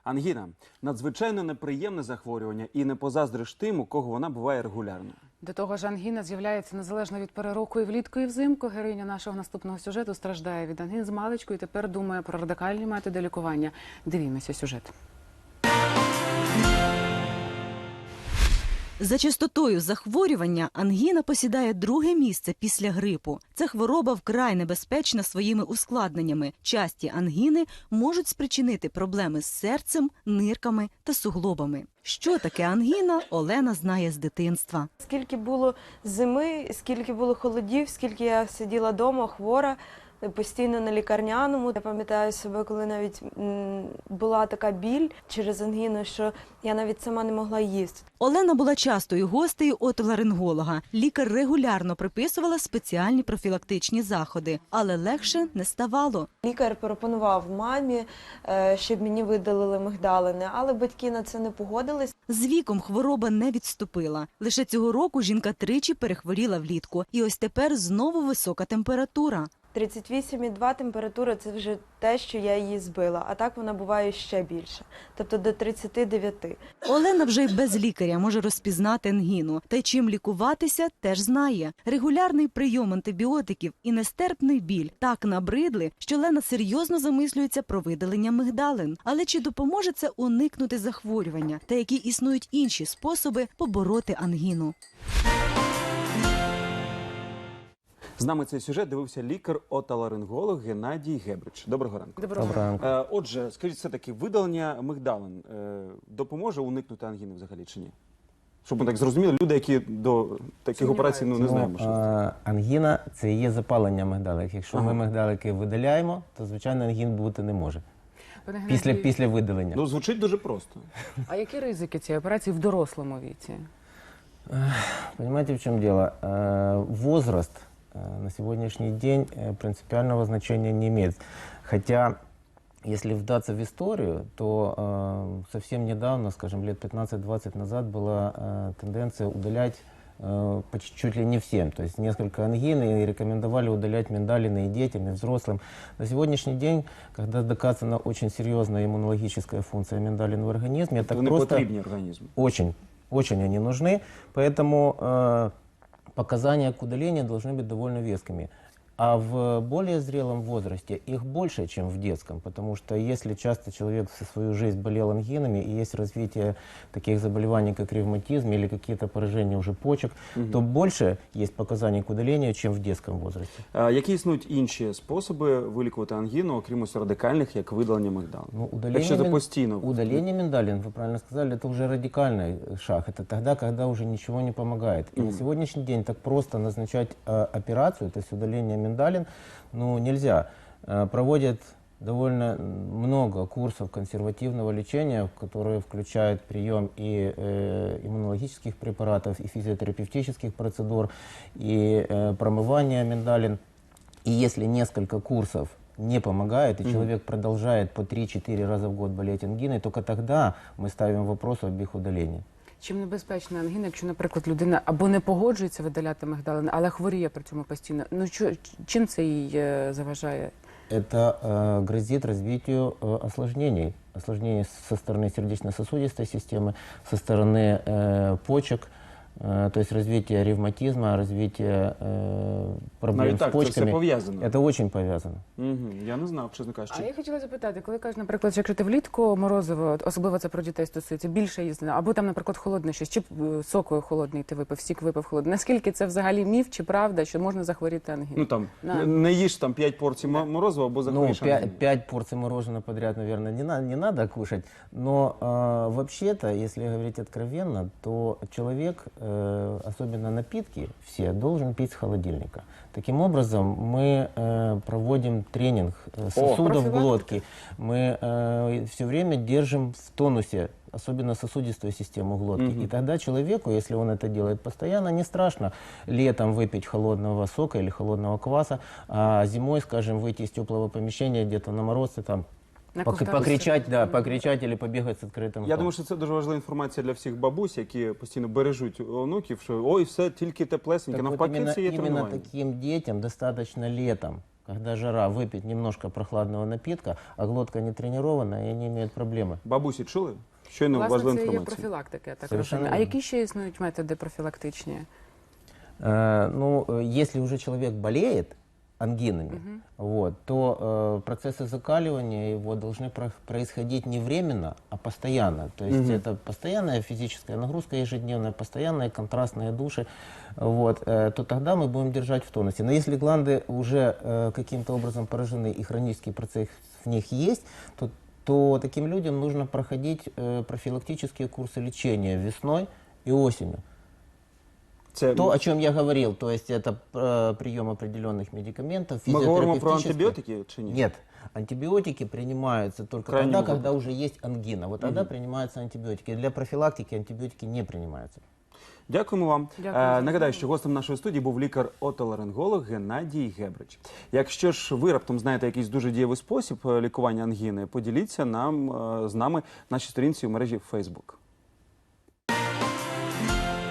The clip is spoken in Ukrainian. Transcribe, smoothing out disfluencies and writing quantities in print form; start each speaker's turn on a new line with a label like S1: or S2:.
S1: Ангіна – надзвичайно неприємне захворювання і не позаздриш тим, у кого вона буває регулярно.
S2: До того ж, ангіна з'являється незалежно від пори року і влітку, і взимку. Героїня нашого наступного сюжету страждає від ангін з маличку і тепер думає про радикальні методи лікування. Дивімося сюжет.
S3: За частотою захворювання ангіна посідає друге місце після грипу. Ця хвороба вкрай небезпечна своїми ускладненнями. Часті ангіни можуть спричинити проблеми з серцем, нирками та суглобами. Що таке ангіна, Олена знає з дитинства.
S4: Скільки було зими, скільки було холодів, скільки я сиділа вдома хвора, постійно на лікарняному. Я пам'ятаю себе, коли навіть була така біль через ангіну, що я навіть сама не могла їсти.
S3: Олена була частою гостею отоларинголога. Лікар регулярно приписувала спеціальні профілактичні заходи, але легше не ставало.
S4: Лікар пропонував мамі, щоб мені видалили мигдалини, але батьки на це не погодились.
S3: З віком хвороба не відступила. Лише цього року жінка тричі перехворіла влітку. І ось тепер знову висока температура.
S4: 38,2 температура – це вже те, що я її збила, а так вона буває ще більше, тобто до 39.
S3: Олена вже й без лікаря може розпізнати ангіну. Та й чим лікуватися, теж знає. Регулярний прийом антибіотиків і нестерпний біль так набридли, що Олена серйозно замислюється про видалення мигдалин. Але чи допоможе це уникнути захворювання? Та які існують інші способи побороти ангіну?
S1: З нами цей сюжет дивився лікар-отоларинголог Геннадій Гебрич. Доброго ранку.
S2: Доброго ранку.
S1: Отже, скажіть, все-таки видалення мигдалин допоможе уникнути ангіни взагалі чи ні? Щоб ми так зрозуміли, люди, які до таких операцій не знаємо.
S5: Ангіна – це і є запалення мигдалик. Якщо ми мигдалики видаляємо, то, звичайно, ангін бути не може. Після видалення.
S1: Ну, звучить дуже просто.
S2: А які ризики цієї операції в дорослому віці?
S5: Понимаете, в чем дело? Возраст на сегодняшний день принципиального значения не имеет. Хотя, если вдаться в историю, то совсем недавно, скажем, лет 15-20 назад была тенденция удалять чуть ли не всем. То есть несколько ангин, и рекомендовали удалять миндалины и детям, и взрослым. На сегодняшний день, когда доказана очень серьезная иммунологическая функция миндалин в организме, это просто
S1: потребнее организму.
S5: Очень они нужны, поэтому показания к удалению должны быть довольно вескими. А в более зрелом возрасте их больше, чем в детском, потому что если часто человек всю свою жизнь болел ангинами и есть развитие таких заболеваний, как ревматизм или какие-то поражения уже почек, то больше есть показаний к удалению, чем в детском возрасте.
S1: Які існують інші способи вилікувати ангіну, окрім ось радикальних, як видалення мигдалин?
S5: Ну,
S1: Якщо це постійно.
S5: Удаление миндалин, вы правильно сказали, это уже радикальный шаг. Это тогда, когда уже ничего не помогает. И на сегодняшний день так просто назначать операцию, то есть удаление миндалин, ну, нельзя. Проводят довольно много курсов консервативного лечения, которые включают прием и иммунологических препаратов, и физиотерапевтических процедур, и промывание миндалин. И если несколько курсов не помогает, и человек продолжает по 3-4 раза в год болеть ангиной, только тогда мы ставим вопрос об их удалении.
S2: Чим небезпечна ангіна, якщо, наприклад, людина або не погоджується видаляти мигдалини, але хворіє при цьому постійно? Ну, чим це їй заважає?
S5: Это грозит развитию осложнений. Осложнений со стороны сердечно-сосудистой системы, со стороны почек, то есть развитие ревматизма, развитие проблем с почками.
S1: Це пов'язано.
S5: Это очень повязано.
S1: Я не знав, чесно кажучи.
S2: А я хотіла запитати, коли кажуть, наприклад, що якщо ти влітку морозиво, особливо це про дітей стосується, більше їсти, або там, наприклад, холодне щось, чи соку холодний ти випив, сік випив холодний. Наскільки це взагалі міф чи правда, що можна захворіти ангіною?
S1: Ну там, не їж там 5 порцій морозива, або захворіш ангіною.
S5: 5 порций мороженого подряд, наверное, не надо кушать. Но вообще-то, если говорить откровенно, то человек, особенно напитки, все, должен пить с холодильника. Таким образом, мы проводим тренинг сосудов глотки. Мы все время держим в тонусе, особенно сосудистую систему глотки. И тогда человеку, если он это делает постоянно, не страшно летом выпить холодного сока или холодного кваса, а зимой, скажем, выйти из теплого помещения где-то на мороз и там покричать или побігати з відкритим ртом.
S1: Я думаю, що це дуже важлива інформація для всіх бабусь, які постійно бережуть онуків, що ой, все тільки теплесеньке. Навпаки, це є тренування.
S5: Именно таким детям достаточно летом когда жара, выпить немножко прохладного напитка, а глотка не тренированная, и они имеют проблемы.
S1: Бабусі чули? Щойно
S2: Власне,
S1: важлива
S2: це є
S1: інформація.
S2: профілактика, я так
S5: Совершенно
S2: розумію. А
S5: вірно.
S2: які ще існують методи профілактичні?
S5: Если уже человек болеет ангинами, вот, то процессы закаливания его должны происходить не временно, а постоянно. То есть это постоянная физическая нагрузка ежедневная, постоянные контрастные души, вот, то тогда мы будем держать в тонусе. Но если гланды уже каким-то образом поражены и хронический процесс в них есть, то таким людям нужно проходить профилактические курсы лечения весной и осенью.
S1: Це
S5: То, о чем я говорил, то есть это прием определенных медикаментов,
S1: ми говоримо про
S5: физиотерапевтических.
S1: антибіотики чи ні?
S5: Нет, антибиотики принимаются только
S1: Крайнем
S5: тогда,
S1: выпадке.
S5: когда уже есть ангина. Вот тогда принимаются антибиотики. Для профилактики антибиотики не принимаются.
S1: Дякуємо вам.
S2: Дякую за
S1: Нагадаю, що гостем нашої студії був лікар-отоларинголог Геннадій Гебрич. Якщо ж ви раптом знаєте якийсь дуже дієвий спосіб лікування ангіни, поділіться з нами в нашій сторінці у мережі Facebook.